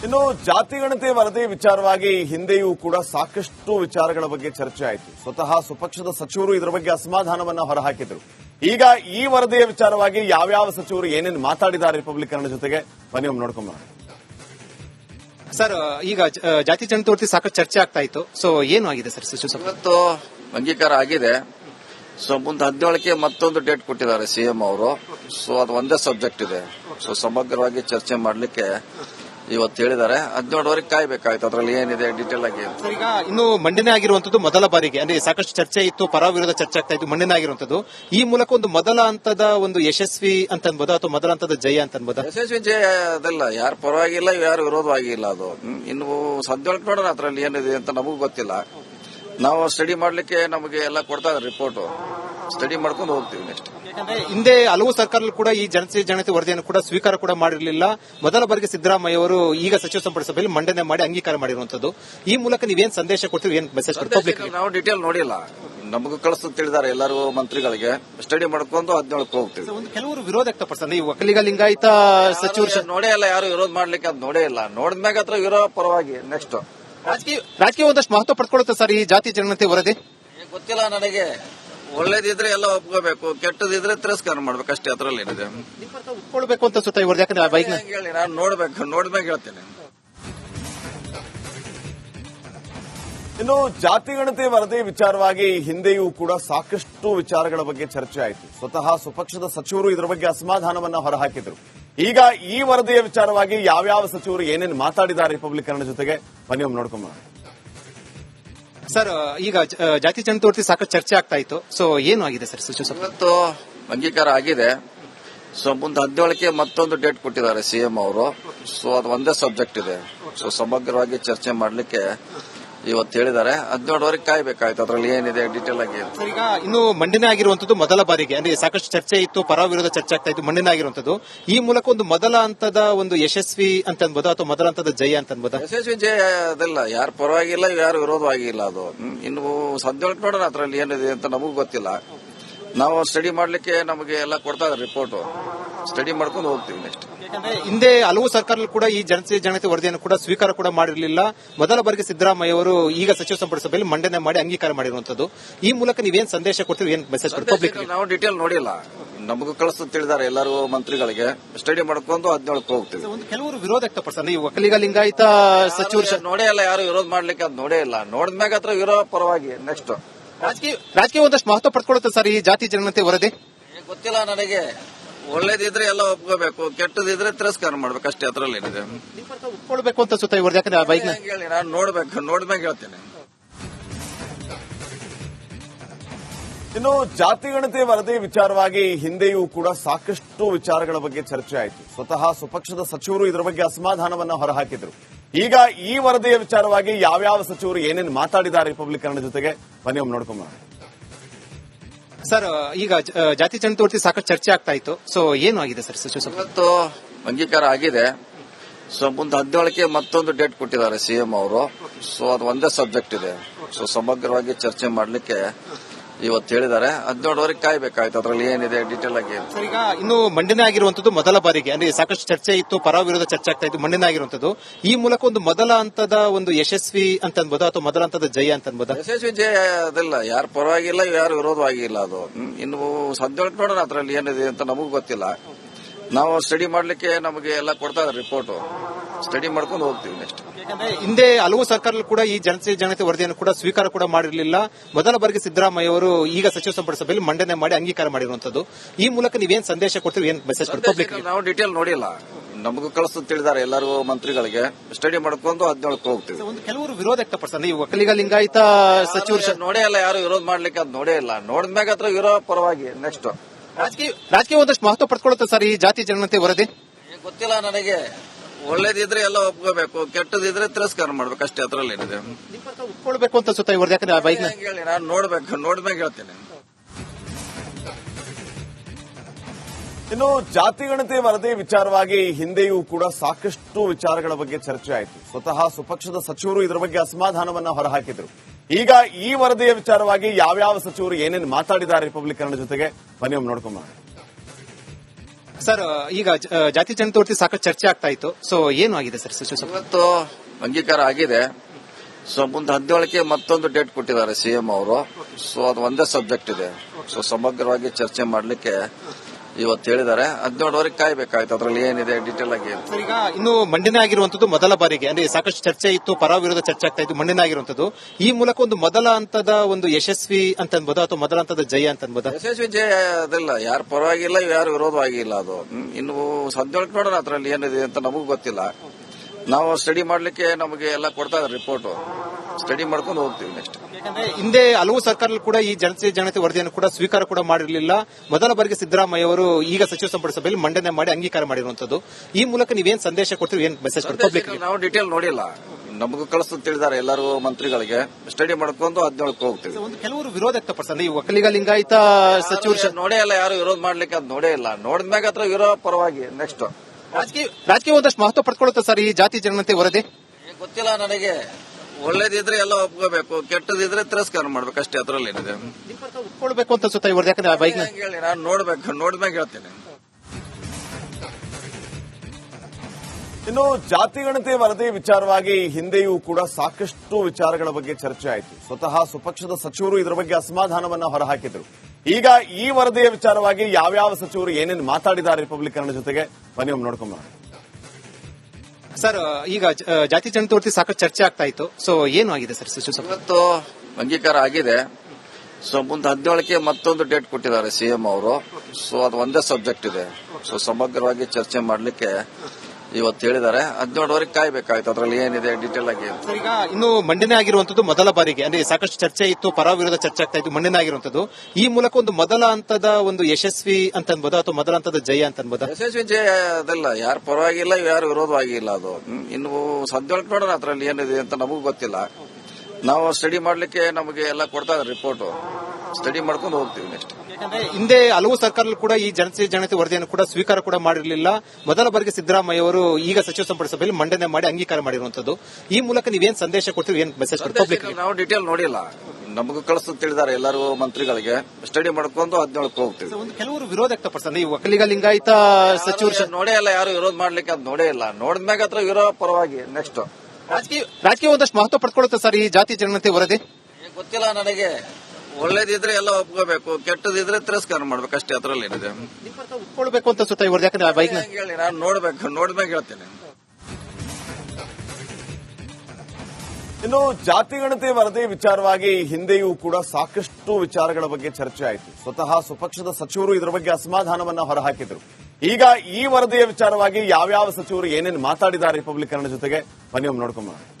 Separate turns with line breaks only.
ಇನ್ನು ಜಾತಿಗಣತಿ ವರದಿ ವಿಚಾರವಾಗಿ ಹಿಂದೆಯೂ ಕೂಡ ಸಾಕಷ್ಟು ವಿಚಾರಗಳ ಬಗ್ಗೆ ಚರ್ಚೆ ಆಯಿತು. ಸ್ವತಃ ಸ್ವಪಕ್ಷದ ಸಚಿವರು ಇದರ ಬಗ್ಗೆ ಅಸಮಾಧಾನವನ್ನ ಹೊರಹಾಕಿದ್ರು. ಈಗ ಈ ವರದಿಯ ವಿಚಾರವಾಗಿ ಯಾವ್ಯಾವ ಸಚಿವರು ಏನೇನು ಮಾತಾಡಿದ್ದಾರೆ ರಿಪಬ್ಲಿಕನ್ ಜೊತೆಗೆ ಬನ್ನಿ ಒಮ್ಮೆ ನೋಡ್ಕೊಂಬರೋಣ.
ಸರ್, ಈಗ ಜಾತಿ ಜನತೋರ್ತಿ ಸಾಕಷ್ಟು ಚರ್ಚೆ ಆಗ್ತಾ ಇತ್ತು. ಸೊ ಏನು ಆಗಿದೆ ಸರ್?
ಇವತ್ತು ಅಂಗೀಕಾರ ಆಗಿದೆ. ಸೊ ಮುಂದೆ 17ಕ್ಕೆ ಮತ್ತೊಂದು ಡೇಟ್ ಕೊಟ್ಟಿದ್ದಾರೆ ಸಿಎಂ ಅವರು. ಸೊ ಅದು ಒಂದೇ ಸಬ್ಜೆಕ್ಟ್ ಇದೆ. ಸೊ ಸಮಗ್ರವಾಗಿ ಚರ್ಚೆ ಮಾಡಲಿಕ್ಕೆ ಇವತ್ತು ಹೇಳಿದ್ದಾರೆ. 17ರವರೆಗೆ ಕಾಯ್ಬೇಕಾಯ್ತು. ಅದರಲ್ಲಿ ಏನಿದೆ ಡೀಟೇಲ್ ಆಗಿ.
ಈಗ ಇನ್ನು ಮಂಡನೆ ಆಗಿರುವಂತದ್ದು ಮೊದಲ ಬಾರಿಗೆ, ಅಂದ್ರೆ ಸಾಕಷ್ಟು ಚರ್ಚೆ ಇತ್ತು, ಪರ ವಿರೋಧ ಚರ್ಚೆ ಆಗ್ತಾ ಇತ್ತು, ಮಂಡನೆ ಆಗಿರುವಂತದ್ದು ಈ ಮೂಲಕ ಒಂದು ಮೊದಲ ಹಂತದ ಒಂದು ಯಶಸ್ವಿ ಅಂತ ಅನ್ಬೋದಾ ಅಥವಾ ಮೊದಲ ಹಂತದ ಜಯ ಅಂತ ಅನ್ಬೋದಾ?
ಯಶಸ್ವಿ ಜಯ ಅದಲ್ಲ, ಯಾರು ಪರವಾಗಿಲ್ಲ ಯಾರು ವಿರೋಧವಾಗಿಲ್ಲ. ಅದು ಇನ್ನು 17ಕ್ಕೆ ನೋಡೋಣ ಅದರಲ್ಲಿ ಏನಿದೆ ಅಂತ ನಮಗೂ ಗೊತ್ತಿಲ್ಲ. ನಾವು ಸ್ಟಡಿ ಮಾಡ್ಲಿಕ್ಕೆ ನಮಗೆ ಎಲ್ಲ ಕೊಡ್ತಾ ಇದ್ದಾರೆ ರಿಪೋರ್ಟ್. ಸ್ಟಡಿ ಮಾಡ್ಕೊಂಡು ಹೋಗ್ತೀವಿ ನೆಕ್ಸ್ಟ್.
ಯಾಕಂದ್ರೆ ಹಿಂದೆ ಹಲವು ಸರ್ಕಾರಗಳು ಕೂಡ ಈ ಜನತೆ ವರದಿಯನ್ನು ಕೂಡ ಸ್ವೀಕಾರ ಕೂಡ ಮಾಡಿರಲಿಲ್ಲ. ಮೊದಲ ಬಾರಿಗೆ ಸಿದ್ದರಾಮಯ್ಯ ಅವರು ಈಗ ಸಚಿವ ಸಂಪುಟ ಸಭೆಯಲ್ಲಿ ಮಂಡನೆ ಮಾಡಿ ಅಂಗೀಕಾರ ಮಾಡಿರುವಂತದ್ದು. ಈ ಮೂಲಕ ನೀವೇನ್ ಸಂದೇಶ ಕೊಡ್ತೀವಿ, ಏನ್ ಮೆಸೇಜ್ ಪಬ್ಲಿಕ್?
ನಾವು ಡೀಟೇಲ್ ನೋಡಿಲ್ಲ, ನಮಗೂ ಕಳಿಸ್ತು ತಿಳಿದಾರೆ ಎಲ್ಲರೂ ಮಂತ್ರಿಗಳಿಗೆ. ಸ್ಟಡಿ ಮಾಡ್ಕೊಂಡು 17ಕ್ಕೆ ಹೋಗ್ತೀವಿ.
ಕೆಲವರು ವಿರೋಧ ವ್ಯಕ್ತಪಡಿಸ್ತಾರೆ. ಈ ಒಕ್ಕಲಿಗ ಲಿಂಗಾಯತ ಸಚಿವರು
ನೋಡೇ ಇಲ್ಲ, ಯಾರು ವಿರೋಧ ಮಾಡ್ಲಿಕ್ಕೆ ಅದು ನೋಡೇ ಇಲ್ಲ. ನೋಡಿದ್ಮ್ಯಾಗ ಹತ್ರ ವಿರೋಧ ಪರವಾಗಿ ನೆಕ್ಸ್ಟ್
ರಾಜಕೀಯ ಒಂದಷ್ಟು ಮಹತ್ವ ಪಡ್ಕೊಳ್ಳುತ್ತೆ ಸರ್ ಈ ಜಾತಿ ಜನತೆ ವರದಿ.
ಗೊತ್ತಿಲ್ಲ ನನಗೆ. ಒಳ್ಳೇದಿದ್ರೆ ಎಲ್ಲ ಒಪ್ಕೋಬೇಕು, ಕೆಟ್ಟದಿದ್ರೆ ತಿರಸ್ಕಾರ ಮಾಡ್ಬೇಕು ಅಷ್ಟೇ. ಅದರಲ್ಲಿ ಏನಿದೆ
ಒಪ್ಕೊಳ್ಬೇಕು ಅಂತ ಸುತ್ತ ವರದಿ. ಯಾಕಂದ್ರೆ ಬೈಕ್
ಹೇಳಿ, ನಾನು ನೋಡ್ಬೇಕು, ನೋಡಿದ್ಮ್ಯಾಗ ಹೇಳ್ತೇನೆ.
ಇನ್ನು ಜಾತಿಗಣತಿ ವರದಿ ವಿಚಾರವಾಗಿ ಹಿಂದೆಯೂ ಕೂಡ ಸಾಕಷ್ಟು ವಿಚಾರಗಳ ಬಗ್ಗೆ ಚರ್ಚೆ ಆಯಿತು. ಸ್ವತಃ ಸ್ವಪಕ್ಷದ ಸಚಿವರು ಇದರ ಬಗ್ಗೆ ಅಸಮಾಧಾನವನ್ನ ಹೊರಹಾಕಿದ್ರು. ಈಗ ಈ ವರದಿಯ ವಿಚಾರವಾಗಿ ಯಾವ್ಯಾವ ಸಚಿವರು ಏನೇನು ಮಾತಾಡಿದ್ದಾರೆ ರಿಪಬ್ಲಿಕನ್ ಜೊತೆಗೆ ಬನ್ನಿ ಒಮ್ಮೆ ನೋಡ್ಕೊಂಬರೋಣ.
ಸರ್, ಈಗ ಜಾತಿ ಜನತೋರ್ತಿ ಸಾಕಷ್ಟು ಚರ್ಚೆ ಆಗ್ತಾ ಇತ್ತು. ಸೊ ಏನು ಆಗಿದೆ ಸರ್?
ಇವತ್ತು ಅಂಗೀಕಾರ ಆಗಿದೆ. ಸೊ ಮುಂದೆ 17ಕ್ಕೆ ಮತ್ತೊಂದು ಡೇಟ್ ಕೊಟ್ಟಿದ್ದಾರೆ ಸಿಎಂ ಅವರು. ಸೊ ಅದು ಒಂದೇ ಸಬ್ಜೆಕ್ಟ್ ಇದೆ. ಸೊ ಸಮಗ್ರವಾಗಿ ಚರ್ಚೆ ಮಾಡಲಿಕ್ಕೆ ಇವತ್ತು ಹೇಳಿದ್ದಾರೆ. 17ರವರೆಗೆ ಕಾಯ್ಬೇಕಾಯ್ತು. ಅದರಲ್ಲಿ ಏನಿದೆ ಡೀಟೇಲ್ ಆಗಿ.
ಈಗ ಇನ್ನು ಮಂಡನೆ ಆಗಿರುವಂತದ್ದು ಮೊದಲ ಬಾರಿಗೆ, ಅಂದ್ರೆ ಸಾಕಷ್ಟು ಚರ್ಚೆ ಇತ್ತು, ಪರ ವಿರೋಧ ಚರ್ಚೆ ಆಗ್ತಾ ಇತ್ತು, ಮಂಡನೆ ಆಗಿರುವಂತದ್ದು ಈ ಮೂಲಕ ಒಂದು ಮೊದಲ ಹಂತದ ಒಂದು ಯಶಸ್ವಿ ಅಂತ ಅನ್ಬೋದಾ ಅಥವಾ ಮೊದಲ ಹಂತದ ಜಯ ಅಂತ ಅನ್ಬೋದಾ?
ಯಶಸ್ವಿ ಜಯ ಅದಲ್ಲ, ಯಾರು ಪರವಾಗಿಲ್ಲ ಯಾರು ವಿರೋಧವಾಗಿಲ್ಲ. ಅದು ಇನ್ನು 17ಕ್ಕೆ ನೋಡೋಣ ಅದರಲ್ಲಿ ಏನಿದೆ ಅಂತ ನಮಗೂ ಗೊತ್ತಿಲ್ಲ. ನಾವು ಸ್ಟಡಿ ಮಾಡ್ಲಿಕ್ಕೆ ನಮಗೆ ಎಲ್ಲ ಕೊಡ್ತಾ ಇದ್ದಾರೆ ರಿಪೋರ್ಟ್. ಸ್ಟಡಿ ಮಾಡ್ಕೊಂಡು ಹೋಗ್ತೀವಿ ನೆಕ್ಸ್ಟ್.
ಯಾಕಂದ್ರೆ ಹಿಂದೆ ಹಲವು ಸರ್ಕಾರಗಳು ಕೂಡ ಈ ಜನತೆ ವರದಿಯನ್ನು ಕೂಡ ಸ್ವೀಕಾರ ಕೂಡ ಮಾಡಿರಲಿಲ್ಲ. ಮೊದಲ ಬಾರಿಗೆ ಸಿದ್ದರಾಮಯ್ಯ ಅವರು ಈಗ ಸಚಿವ ಸಂಪುಟ ಸಭೆಯಲ್ಲಿ ಮಂಡನೆ ಮಾಡಿ ಅಂಗೀಕಾರ ಮಾಡಿರುವಂತದ್ದು. ಈ ಮೂಲಕ ನೀವೇನ್ ಸಂದೇಶ ಕೊಡ್ತೀವಿ, ಏನ್ ಮೆಸೇಜ್ ಪಬ್ಲಿಕ್?
ನಾವು ಡೀಟೇಲ್ ನೋಡಿಲ್ಲ, ನಮಗೂ ಕಳಿಸ್ತು ತಿಳಿದಾರೆ ಎಲ್ಲರೂ ಮಂತ್ರಿಗಳಿಗೆ. ಸ್ಟಡಿ ಮಾಡ್ಕೊಂಡು 17ಕ್ಕೆ ಹೋಗ್ತೀವಿ.
ಕೆಲವರು ವಿರೋಧ ವ್ಯಕ್ತಪಡಿಸ್ತಾರೆ. ಈ ಒಕ್ಕಲಿಗ ಲಿಂಗಾಯತ ಸಚಿವರು
ನೋಡೇ ಇಲ್ಲ, ಯಾರು ವಿರೋಧ ಮಾಡ್ಲಿಕ್ಕೆ ಅದು ನೋಡೇ ಇಲ್ಲ. ನೋಡಿದ್ಮ್ಯಾಗ ಹತ್ರ ವಿರೋಧ ಪರವಾಗಿ ನೆಕ್ಸ್ಟ್.
ರಾಜಕೀಯ ಒಂದಷ್ಟು ಮಹತ್ವ ಪಡ್ಕೊಳ್ಳುತ್ತೆ ಸರ್ ಈ ಜಾತಿ ಜನತೆ ವರದಿ.
ಗೊತ್ತಿಲ್ಲ ನನಗೆ. ಒಳ್ಳೇದಿದ್ರೆ ಎಲ್ಲ ಒಪ್ಕೋಬೇಕು, ಕೆಟ್ಟದಿದ್ರೆ ತಿರಸ್ಕಾರ ಮಾಡ್ಬೇಕು ಅಷ್ಟೇ. ಅದರಲ್ಲಿ ಏನಿದೆ
ಒಪ್ಕೊಳ್ಬೇಕು ಅಂತ ಸುತ್ತ ವರದಿ. ಯಾಕಂದ್ರೆ ಬೈಕ್
ಹೇಳಿ, ನಾನು ನೋಡ್ಬೇಕು, ನೋಡಿದ್ಮ್ಯಾಗ ಹೇಳ್ತೇನೆ.
ಇನ್ನು ಜಾತಿಗಣತಿ ವರದಿ ವಿಚಾರವಾಗಿ ಹಿಂದೆಯೂ ಕೂಡ ಸಾಕಷ್ಟು ವಿಚಾರಗಳ ಬಗ್ಗೆ ಚರ್ಚೆ ಆಯಿತು. ಸ್ವತಃ ಸ್ವಪಕ್ಷದ ಸಚಿವರು ಇದರ ಬಗ್ಗೆ ಅಸಮಾಧಾನವನ್ನ ಹೊರಹಾಕಿದ್ರು. ಈಗ ಈ ವರದಿಯ ವಿಚಾರವಾಗಿ ಯಾವ್ಯಾವ ಸಚಿವರು ಏನೇನು ಮಾತಾಡಿದ್ದಾರೆ ರಿಪಬ್ಲಿಕನ್ ಜೊತೆಗೆ ಬನ್ನಿ ಒಮ್ಮೆ ನೋಡ್ಕೊಂಬರೋಣ.
ಸರ್, ಈಗ ಜಾತಿ ಜನತೋರ್ತಿ ಸಾಕಷ್ಟು ಚರ್ಚೆ ಆಗ್ತಾ ಇತ್ತು. ಸೊ ಏನು ಆಗಿದೆ ಸರ್?
ಇವತ್ತು ಅಂಗೀಕಾರ ಆಗಿದೆ. ಸೊ ಮುಂದೆ 17ಕ್ಕೆ ಮತ್ತೊಂದು ಡೇಟ್ ಕೊಟ್ಟಿದ್ದಾರೆ ಸಿಎಂ ಅವರು. ಸೊ ಅದು ಒಂದೇ ಸಬ್ಜೆಕ್ಟ್ ಇದೆ. ಸೊ ಸಮಗ್ರವಾಗಿ ಚರ್ಚೆ ಮಾಡಲಿಕ್ಕೆ ಇವತ್ತು ಹೇಳಿದ್ದಾರೆ. 17ರವರೆಗೆ ಕಾಯ್ಬೇಕಾಯ್ತು. ಅದರಲ್ಲಿ ಏನಿದೆ ಡೀಟೇಲ್ ಆಗಿ.
ಈಗ ಇನ್ನು ಮಂಡನೆ ಆಗಿರುವಂತದ್ದು ಮೊದಲ ಬಾರಿಗೆ, ಅಂದ್ರೆ ಸಾಕಷ್ಟು ಚರ್ಚೆ ಇತ್ತು, ಪರ ವಿರೋಧ ಚರ್ಚೆ ಆಗ್ತಾ ಇತ್ತು, ಮಂಡನೆ ಆಗಿರುವಂತದ್ದು ಈ ಮೂಲಕ ಒಂದು ಮೊದಲ ಹಂತದ ಒಂದು ಯಶಸ್ವಿ ಅಂತ ಅನ್ಬೋದಾ ಅಥವಾ ಮೊದಲ ಹಂತದ ಜಯ ಅಂತ ಅನ್ಬೋದಾ?
ಯಶಸ್ವಿ ಜಯ ಅದಲ್ಲ, ಯಾರು ಪರವಾಗಿಲ್ಲ ಯಾರು ವಿರೋಧವಾಗಿಲ್ಲ. ಅದು ಇನ್ನು 17ಕ್ಕೆ ನೋಡೋಣ ಅದರಲ್ಲಿ ಏನಿದೆ ಅಂತ ನಮಗೂ ಗೊತ್ತಿಲ್ಲ. ನಾವು ಸ್ಟಡಿ ಮಾಡ್ಲಿಕ್ಕೆ ನಮಗೆ ಎಲ್ಲ ಕೊಡ್ತಾ ಇದ್ದಾರೆ ರಿಪೋರ್ಟ್. ಸ್ಟಡಿ ಮಾಡ್ಕೊಂಡು ಹೋಗ್ತೀವಿ ನೆಕ್ಸ್ಟ್.
ಯಾಕಂದ್ರೆ ಹಿಂದೆ ಹಲವು ಸರ್ಕಾರಗಳು ಕೂಡ ಈ ಜನತೆ ವರದಿಯನ್ನು ಕೂಡ ಸ್ವೀಕಾರ ಕೂಡ ಮಾಡಿರಲಿಲ್ಲ. ಮೊದಲ ಬಾರಿಗೆ ಸಿದ್ದರಾಮಯ್ಯ ಅವರು ಈಗ ಸಚಿವ ಸಂಪುಟ ಸಭೆಯಲ್ಲಿ ಮಂಡನೆ ಮಾಡಿ ಅಂಗೀಕಾರ ಮಾಡಿರುವಂತದ್ದು. ಈ ಮೂಲಕ ನೀವೇನ್ ಸಂದೇಶ ಕೊಡ್ತೀವಿ, ಏನ್ ಮೆಸೇಜ್ ಪಬ್ಲಿಕ್?
ನಾವು ಡೀಟೇಲ್ ನೋಡಿಲ್ಲ, ನಮಗೂ ಕಳಿಸ್ತು ತಿಳಿದಾರೆ ಎಲ್ಲರೂ ಮಂತ್ರಿಗಳಿಗೆ. ಸ್ಟಡಿ ಮಾಡ್ಕೊಂಡು 17ಕ್ಕೆ ಹೋಗ್ತೀವಿ.
ಕೆಲವರು ವಿರೋಧ ವ್ಯಕ್ತಪಡಿಸ್ತಾರೆ. ಈ ಒಕ್ಕಲಿಗ ಲಿಂಗಾಯತ ಸಚಿವರು
ನೋಡೇ ಇಲ್ಲ, ಯಾರು ವಿರೋಧ ಮಾಡ್ಲಿಕ್ಕೆ ಅದು ನೋಡೇ ಇಲ್ಲ. ನೋಡಿದ್ಮ್ಯಾಗ ಹತ್ರ ವಿರೋಧ ಪರವಾಗಿ ನೆಕ್ಸ್ಟ್.
ರಾಜಕೀಯ ಒಂದಷ್ಟು ಮಹತ್ವ ಪಡ್ಕೊಳ್ಳುತ್ತೆ ಸರ್ ಈ ಜಾತಿ ಜನತೆ ವರದಿ.
ಗೊತ್ತಿಲ್ಲ ನನಗೆ. ಒಳ್ಳೇದಿದ್ರೆ ಎಲ್ಲ ಒಪ್ಕೋಬೇಕು, ಕೆಟ್ಟದಿದ್ರೆ ತಿರಸ್ಕಾರ ಮಾಡ್ಬೇಕು ಅಷ್ಟೇ. ಅದರಲ್ಲಿ ಏನಿದೆ
ಒಪ್ಕೊಳ್ಬೇಕು ಅಂತ ಸುತ್ತ ವರದಿ. ಯಾಕಂದ್ರೆ ಬೈಕ್
ಹೇಳಿ, ನಾನು ನೋಡ್ಬೇಕು, ನೋಡಿದ್ಮ್ಯಾಗ ಹೇಳ್ತೇನೆ.
ಇನ್ನು ಜಾತಿಗಣತಿ ವರದಿ ವಿಚಾರವಾಗಿ ಹಿಂದೆಯೂ ಕೂಡ ಸಾಕಷ್ಟು ವಿಚಾರಗಳ ಬಗ್ಗೆ ಚರ್ಚೆ ಆಯಿತು. ಸ್ವತಃ ಸ್ವಪಕ್ಷದ ಸಚಿವರು ಇದರ ಬಗ್ಗೆ ಅಸಮಾಧಾನವನ್ನ ಹೊರಹಾಕಿದ್ರು. ಈಗ ಈ ವರದಿಯ ವಿಚಾರವಾಗಿ ಯಾವ್ಯಾವ ಸಚಿವರು ಏನೇನು ಮಾತಾಡಿದ್ದಾರೆ ರಿಪಬ್ಲಿಕನ್ ಜೊತೆಗೆ ಬನ್ನಿ ಒಮ್ಮೆ ನೋಡ್ಕೊಂಬರೋಣ.
ಸರ್ ಈಗ ಜಾತಿ ಜನತೆ ವರದಿ ಸಾಕಷ್ಟು ಚರ್ಚೆ ಆಗ್ತಾ ಇತ್ತು. ಸೊ ಏನು ಆಗಿದೆ ಸರ್ ಸಚಿವ ಸಂಪುಟ?
ಇವತ್ತು ಅಂಗೀಕಾರ ಆಗಿದೆ. ಸೊ ಮುಂದೆ 17ಕ್ಕೆ ಮತ್ತೊಂದು ಡೇಟ್ ಕೊಟ್ಟಿದ್ದಾರೆ ಸಿಎಂ ಅವರು. ಸೊ ಅದು ಒಂದೇ ಸಬ್ಜೆಕ್ಟ್ ಇದೆ. ಸೊ ಸಮಗ್ರವಾಗಿ ಚರ್ಚೆ ಮಾಡಲಿಕ್ಕೆ ಇವತ್ತು ಹೇಳಿದ್ದಾರೆ. 17ವರೆಗೆ ಕಾಯ್ಬೇಕಾಯ್ತು. ಅದ್ರಲ್ಲಿ ಏನಿದೆ ಡೀಟೇಲ್ ಆಗಿ.
ಸರ್ ಈಗ ಇನ್ನು ಮಂಡನೆ ಆಗಿರುವಂತದ್ದು ಮೊದಲ ಬಾರಿಗೆ, ಅಂದ್ರೆ ಸಾಕಷ್ಟು ಚರ್ಚೆ ಇತ್ತು, ಪರ ವಿರೋಧ ಚರ್ಚೆ ಆಗ್ತಾ ಇತ್ತು, ಮಂಡನೆ ಆಗಿರುವಂತದ್ದು ಈ ಮೂಲಕ ಒಂದು ಮೊದಲ ಹಂತದ ಒಂದು ಯಶಸ್ವಿ ಅಂತ ಅನ್ಬೋದಾ ಅಥವಾ ಮೊದಲ ಹಂತದ ಜಯ ಅಂತ ಅನ್ಬೋದಾ?
ಯಶಸ್ವಿ ಜಯ ಅದಲ್ಲ, ಯಾರು ಪರವಾಗಿಲ್ಲ ಯಾರು ವಿರೋಧವಾಗಿಲ್ಲ. ಅದು ಇನ್ನು 17ಕ್ಕೆ ನೋಡೋಣ ಅದ್ರಲ್ಲಿ ಏನಿದೆ ಅಂತ ನಮಗೂ ಗೊತ್ತಿಲ್ಲ. ನಾವು ಸ್ಟಡಿ ಮಾಡ್ಲಿಕ್ಕೆ ನಮಗೆ ಎಲ್ಲ ಕೊಡ್ತಾ ಇದ್ದಾರೆ ರಿಪೋರ್ಟ್. ಸ್ಟಡಿ ಮಾಡ್ಕೊಂಡು ಹೋಗ್ತೀವಿ ನೆಕ್ಸ್ಟ್.
ಯಾಕಂದ್ರೆ ಹಿಂದೆ ಹಲವು ಸರ್ಕಾರ ಕೂಡ ಈ ಜನತೆ ವರದಿಯನ್ನು ಕೂಡ ಸ್ವೀಕಾರ ಕೂಡ ಮಾಡಿರಲಿಲ್ಲ. ಮೊದಲ ಬಾರಿಗೆ ಸಿದ್ದರಾಮಯ್ಯ ಅವರು ಈಗ ಸಚಿವ ಸಂಪುಟ ಸಭೆಯಲ್ಲಿ ಮಂಡನೆ ಮಾಡಿ ಅಂಗೀಕಾರ ಮಾಡಿರುವಂತದ್ದು. ಈ ಮೂಲಕ ನೀವೇನ್ ಸಂದೇಶ ಕೊಡ್ತೀವಿ, ಏನ್ ಮೆಸೇಜ್ ಕೊಡ್ತೀವಿ ಪಬ್ಲಿಕ್?
ನಾವು ಡೀಟೇಲ್ ನೋಡಿಲ್ಲ, ನಮಗೂ ಕಳಿಸ್ತಂತ ಹೇಳಿದ್ದಾರೆ ಎಲ್ಲರೂ ಮಂತ್ರಿಗಳಿಗೆ. ಸ್ಟಡಿ ಮಾಡ್ಕೊಂಡು 17ಕ್ಕೆ ಹೋಗ್ತೀವಿ.
ಒಂದು ಕೆಲವರು ವಿರೋಧ ವ್ಯಕ್ತಪಡಿಸ್ತಾರೆ, ಈ ಒಕ್ಕಲಿಗ ಲಿಂಗಾಯತ ಸಚಿವರು
ನೋಡೇ ಇಲ್ಲ, ಯಾರು ವಿರೋಧ ಮಾಡ್ಲಿಕ್ಕೆ ಅದು ನೋಡೇ ಇಲ್ಲ. ನೋಡಿದ್ಮ್ಯಾಗ ಹತ್ರ ವಿರೋಧ ಪರವಾಗಿ ನೆಕ್ಸ್ಟ್
ರಾಜಕೀಯ ಒಂದಷ್ಟು ಮಹತ್ವ ಪಡ್ಕೊಳ್ಳುತ್ತೆ ಸರ್ ಈ ಜಾತಿ ಜನತೆ ವರದಿ.
ಗೊತ್ತಿಲ್ಲ ನನಗೆ. ಒಳ್ಳೇದಿದ್ರೆ ಎಲ್ಲ ಒಪ್ಕೋಬೇಕು, ಕೆಟ್ಟದಿದ್ರೆ ತಿರಸ್ಕಾರ ಮಾಡ್ಬೇಕು ಅಷ್ಟೇ. ಅದ್ರಲ್ಲಿ ಏನಿದೆ
ಒಪ್ಕೊಳ್ಬೇಕು ಅಂತ ಅನ್ಸುತ್ತೆ ಈ ವರದಿ. ಯಾಕಂದ್ರೆ ಬೈಕ್
ಹೇಳಿ, ನಾನು ನೋಡ್ಬೇಕು, ನೋಡಿದ್ಮ್ಯಾಗ ಹೇಳ್ತೇನೆ.
ಇನ್ನು ಜಾತಿಗಣತಿ ವರದಿ ವಿಚಾರವಾಗಿ ಹಿಂದೆಯೂ ಕೂಡ ಸಾಕಷ್ಟು ವಿಚಾರಗಳ ಬಗ್ಗೆ ಚರ್ಚೆ ಆಯಿತು. ಸ್ವತಃ ಸ್ವಪಕ್ಷದ ಸಚಿವರು ಇದರ ಬಗ್ಗೆ ಅಸಮಾಧಾನವನ್ನ ಹೊರಹಾಕಿದ್ರು. ಈಗ ಈ ವರದಿಯ ವಿಚಾರವಾಗಿ ಯಾವ್ಯಾವ ಸಚಿವರು ಏನೇನು ಮಾತಾಡಿದ್ದಾರೆ ರಿಪಬ್ಲಿಕನ್ ಜೊತೆಗೆ, ಬನ್ನಿ ಒಮ್ಮೆ ನೋಡ್ಕೊಂಡ್ ಬರೋಣ.
ಸರ್ ಈಗ ಜಾತಿ ಜನತೆ ವರದಿ ಸಾಕಷ್ಟು ಚರ್ಚೆ ಆಗ್ತಾ ಇತ್ತು. ಸೊ ಏನು ಆಗಿದೆ ಸರ್ ಸಚಿವ ಸಂಪುಟ?
ಇವತ್ತು ಅಂಗೀಕಾರ ಆಗಿದೆ. ಸೊ ಮುಂದೆ 17ಕ್ಕೆ ಮತ್ತೊಂದು ಡೇಟ್ ಕೊಟ್ಟಿದ್ದಾರೆ ಸಿಎಂ ಅವರು. ಸೊ ಅದು ಒಂದೇ ಸಬ್ಜೆಕ್ಟ್ ಇದೆ. ಸೊ ಸಮಗ್ರವಾಗಿ ಚರ್ಚೆ ಮಾಡಲಿಕ್ಕೆ ಇವತ್ತು ಹೇಳಿದ್ದಾರೆ. 17ವರೆಗೆ ಕಾಯ್ಬೇಕಾಯ್ತು. ಅದ್ರಲ್ಲಿ ಏನಿದೆ ಡೀಟೇಲ್ ಆಗಿ.
ಸರ್ ಈಗ ಇನ್ನು ಮಂಡನೆ ಆಗಿರುವಂತದ್ದು ಮೊದಲ ಬಾರಿಗೆ, ಅಂದ್ರೆ ಸಾಕಷ್ಟು ಚರ್ಚೆ ಇತ್ತು, ಪರ ವಿರೋಧ ಚರ್ಚೆ ಆಗ್ತಾ ಇತ್ತು, ಮಂಡನೆ ಆಗಿರುವಂತದ್ದು ಈ ಮೂಲಕ ಒಂದು ಮೊದಲ ಹಂತದ ಒಂದು ಯಶಸ್ವಿ ಅಂತ ಅನ್ಬೋದಾ ಅಥವಾ ಮೊದಲ ಹಂತದ ಜಯ ಅಂತ ಅನ್ಬೋದಾ?
ಯಶಸ್ವಿ ಜಯ ಅದಲ್ಲ, ಯಾರು ಪರವಾಗಿಲ್ಲ ಯಾರು ವಿರೋಧವಾಗಿಲ್ಲ. ಅದು ಇನ್ನು 17ಕ್ಕೆ ನೋಡೋಣ ಅದ್ರಲ್ಲಿ ಏನಿದೆ ಅಂತ ನಮಗೂ ಗೊತ್ತಿಲ್ಲ. ನಾವು ಸ್ಟಡಿ ಮಾಡ್ಲಿಕ್ಕೆ ನಮಗೆ ಎಲ್ಲ ಕೊಡ್ತಾ ಇದ್ದಾರೆ ರಿಪೋರ್ಟ್. ಸ್ಟಡಿ ಮಾಡ್ಕೊಂಡು ಹೋಗ್ತೀವಿ ನೆಕ್ಸ್ಟ್.
ಯಾಕಂದ್ರೆ ಹಿಂದೆ ಹಲವು ಸರ್ಕಾರ ಕೂಡ ಈ ಜನತೆ ವರದಿಯನ್ನು ಕೂಡ ಸ್ವೀಕಾರ ಕೂಡ ಮಾಡಿರಲಿಲ್ಲ. ಮೊದಲ ಬಾರಿಗೆ ಸಿದ್ದರಾಮಯ್ಯ ಅವರು ಈಗ ಸಚಿವ ಸಂಪುಟ ಸಭೆಯಲ್ಲಿ ಮಂಡನೆ ಮಾಡಿ ಅಂಗೀಕಾರ ಮಾಡಿರುವಂತದ್ದು. ಈ ಮೂಲಕ ನೀವೇನ್ ಸಂದೇಶ ಕೊಡ್ತೀವಿ, ಏನ್ ಮೆಸೇಜ್ ಕೊಡ್ತೀವಿ ಪಬ್ಲಿಕ್?
ನಾವು ಡೀಟೇಲ್ ನೋಡಿಲ್ಲ, ನಮಗೂ ಕಳಿಸ್ತಂತ ಹೇಳಿದ್ದಾರೆ ಎಲ್ಲರೂ ಮಂತ್ರಿಗಳಿಗೆ. ಸ್ಟಡಿ ಮಾಡ್ಕೊಂಡು 17ಕ್ಕೆ ಹೋಗ್ತೀವಿ.
ಒಂದು ಕೆಲವರು ವಿರೋಧ ವ್ಯಕ್ತಪಡಿಸ್ತಾರೆ, ಈ ಒಕ್ಕಲಿಗ ಲಿಂಗಾಯತ ಸಚಿವರು
ನೋಡೇ ಇಲ್ಲ, ಯಾರು ವಿರೋಧ ಮಾಡ್ಲಿಕ್ಕೆ ಅದು ನೋಡೇ ಇಲ್ಲ. ನೋಡಿದ್ಮ್ಯಾಗ ಹತ್ರ ವಿರೋಧ ಪರವಾಗಿ ನೆಕ್ಸ್ಟ್.
ರಾಜಕೀಯ ಒಂದಷ್ಟು ಮಹತ್ವ ಪಡ್ಕೊಳ್ಳುತ್ತೆ ಸರ್ ಈ ಜಾತಿ ಜನತೆ ವರದಿ.
ಗೊತ್ತಿಲ್ಲ ನನಗೆ. ಒಳ್ಳೇದಿದ್ರೆ ಎಲ್ಲ ಒಪ್ಕೋಬೇಕು, ಕೆಟ್ಟದಿದ್ರೆ ತಿರಸ್ಕಾರ ಮಾಡ್ಬೇಕು ಅಷ್ಟೇ. ಅದ್ರಲ್ಲಿ ಏನಿದೆ
ಒಪ್ಕೊಳ್ಬೇಕು ಅಂತ ಅನ್ಸುತ್ತೆ ಈ ವರದಿ. ಯಾಕಂದ್ರೆ ಬೈಕ್
ಹೇಳಿ, ನಾನು ನೋಡ್ಬೇಕು, ನೋಡಿದ್ಮ್ಯಾಗ ಹೇಳ್ತೇನೆ.
ಇನ್ನು ಜಾತಿಗಣತಿ ವರದಿ ವಿಚಾರವಾಗಿ ಹಿಂದೆಯೂ ಕೂಡ ಸಾಕಷ್ಟು ವಿಚಾರಗಳ ಬಗ್ಗೆ ಚರ್ಚೆ ಆಯಿತು. ಸ್ವತಃ ಸ್ವಪಕ್ಷದ ಸಚಿವರು ಇದರ ಬಗ್ಗೆ ಅಸಮಾಧಾನವನ್ನ ಹೊರಹಾಕಿದ್ರು. ಈಗ ಈ ವರದಿಯ ವಿಚಾರವಾಗಿ ಯಾವ್ಯಾವ ಸಚಿವರು ಏನೇನು ಮಾತಾಡಿದ್ದಾರೆ ರಿಪಬ್ಲಿಕನ್ ಜೊತೆಗೆ, ಬನ್ನಿ ಒಮ್ಮೆ ನೋಡ್ಕೊಂಡ್ ಬರೋಣ.